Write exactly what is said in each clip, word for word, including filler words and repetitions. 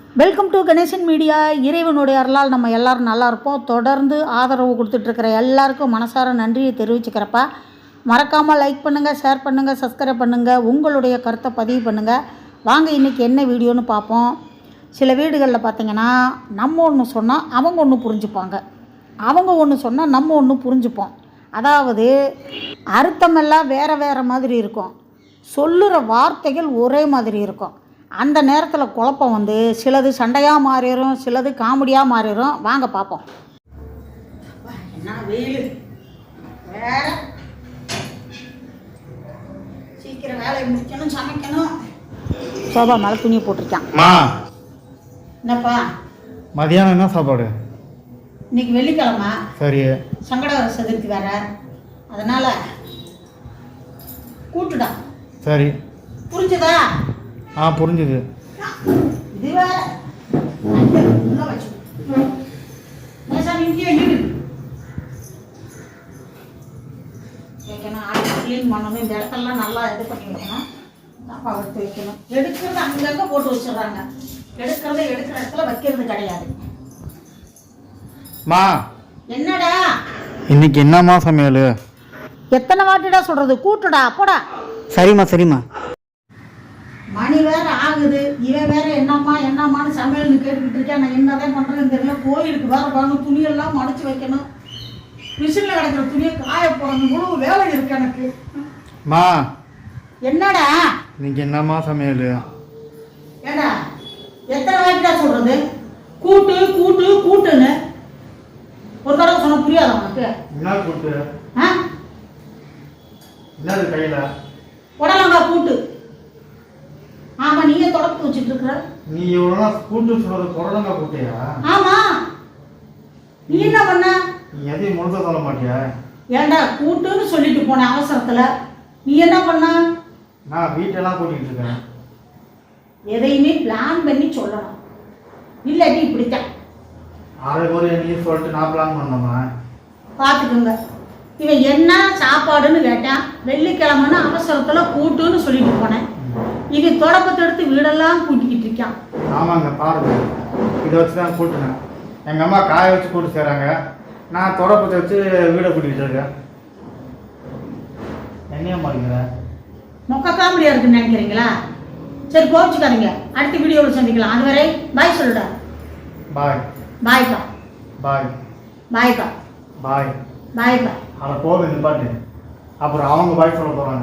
Welcome to Ganesan media. இறைவனுடைய அருளால் நம்ம எல்லோரும் நல்லா இருப்போம். தொடர்ந்து ஆதரவு கொடுத்துட்ருக்கிற எல்லாருக்கும் மனசார நன்றியை தெரிவிச்சுக்கிறப்ப மறக்காமல் லைக் பண்ணுங்கள், ஷேர் பண்ணுங்கள், சப்ஸ்கிரைப் பண்ணுங்கள், உங்களுடைய கருத்தை பதிவு பண்ணுங்கள். வாங்க இன்றைக்கி என்ன வீடியோன்னு பார்ப்போம். சில வீடுகளில் பார்த்திங்கன்னா நம்ம ஒன்று சொன்னால் அவங்க ஒன்று புரிஞ்சுப்பாங்க, அவங்க ஒன்று சொன்னால் நம்ம ஒன்று புரிஞ்சுப்போம். அதாவது அர்த்தமெல்லாம் வேறு வேறு மாதிரி இருக்கும், சொல்லுகிற வார்த்தைகள் ஒரே மாதிரி இருக்கும். அந்த நேரத்தில் குழப்பம் வந்து சிலது சண்டையாக மாறிடும், சிலது காமெடியாக மாறிடும். வாங்க பார்ப்போம். என்ன வெயில் வேற, சீக்கிரம் வேலையை முடிக்கணும், சமைக்கணும். சோபா மேலே துணியை போட்டிருக்கான். என்னப்பா மதியானம் என்ன சாப்பாடு? இன்னைக்கு வெள்ளிக்கிழமை. சரி. சங்கடகர சதுர்த்தி வேற, அதனால கூட்டுடா. சரி, புரிஞ்சுதா? ஆ புரிஞ்சுது. இது வேற உள்ள வச்சு நேசாமி இங்கே இரு வைக்கணும். ஆடி க்ளீன் பண்ணணும். இந்த இடத்தெல்லாம் நல்லா இது பண்ணி வைக்கணும். தப்பா எடுத்து வைக்கணும். எடுக்கிறது அங்கங்கே போட்டு வச்சிடுறாங்க, எடுக்கிறத எடுக்கிற இடத்துல வைக்கிறது கிடையாது. மா என்னடா இன்னைக்கு என்னம்மா சமையல்? எத்தனை வாட்டிடா சொல்றது? கூட்டுடா போடா. சரிம்மா சரிம்மா. மணி வேற ஆகுது, இவன் வேற என்னம்மா என்னம்மான்னு சமையல்னு கேட்டுக்கிட்டு இருக்கேன். நான் என்னதான் பண்ணுறேன்னு தெரியல. கோயிலுக்கு வேற வரணும், துணியெல்லாம் மடிச்சு வைக்கணும், மிஷினில் கிடக்கிற துணியை காய போடணும், முழு வேலை இருக்கு எனக்கு. மா என்னடா இன்னைக்கு என்னம்மா சமையல்? ஏடா எத்தனை வாட்டிடா சொல்றது? கூட்டு கூட்டு கூட்டுன்னு ஒரு தடவை சொன்ன புரியாத உனக்கு? என்ன கூட்டு? ஆ என்னது கையில? உடலங்கா கூட்டு. ஆமா, நீயே தொடப்பு வச்சுட்டு இருக்கிற. நீ இவ்வளோ கூட்டு சொல்றது புடலங்கா கூட்டியா? ஆமா. நீ என்ன பண்ண? நீ எதையும் முழுக்க சொல்ல மாட்டியா? ஏண்டா கூட்டுன்னு சொல்லிட்டு போன அவசரத்துல நீ என்ன பண்ண? நான் வீட்டெல்லாம் கூட்டிகிட்டு இருக்கேன். எதையுமே பிளான் பண்ணி சொல்லணும், இல்லாட்டி இப்படித்தான். அரை ஒரு நீ சொல்லிட்டு நான் பிளான் பண்ணோமா? பார்த்துக்கோங்க. இவன் என்ன சாப்பாடுன்னு கேட்டான். வெள்ளிக்கிழமைன்னு அவசரத்துல கூட்டுன்னு சொல்லிட்டு போனேன். இது தொடப்பத்தை எடுத்து வீடெல்லாம் கூட்டிக்கிட்டு இருக்கான். ஆமாங்க, பாருங்க, இதை வச்சு தான் கூட்டுனேன். எங்கள் அம்மா காய வச்சு கூட்டு செய்கிறாங்க, நான் தொடப்பத்தை வச்சு வீடை கூட்டிகிட்டு இருக்கேன். என்னையா மாட்டேங்கிற? மொக்க காமெடியாக இருக்குன்னு நினைக்கிறீங்களா? சரி, கோவிச்சுக்காதீங்க. அடுத்த வீடியோவில் சந்திக்கலாம். அதுவரை பாய் சொல்லுடா. பாய். பாய்க்கா. பாய். பாய்க்கா. பாய். பாய்க்கா. அதை போக நிப்பாட்டு, அப்புறம் அவங்க பாய் சொல்ல போகிறாங்க.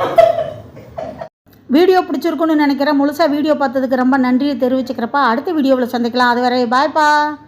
வீடியோ பிடிச்சிருக்குன்னு நினைக்கிறேன். முழுசாக வீடியோ பார்த்ததுக்கு ரொம்ப நன்றியை தெரிவிச்சுக்கிறப்பா. அடுத்த வீடியோவில் சந்திக்கலாம். அதுவரை பாய்ப்பா.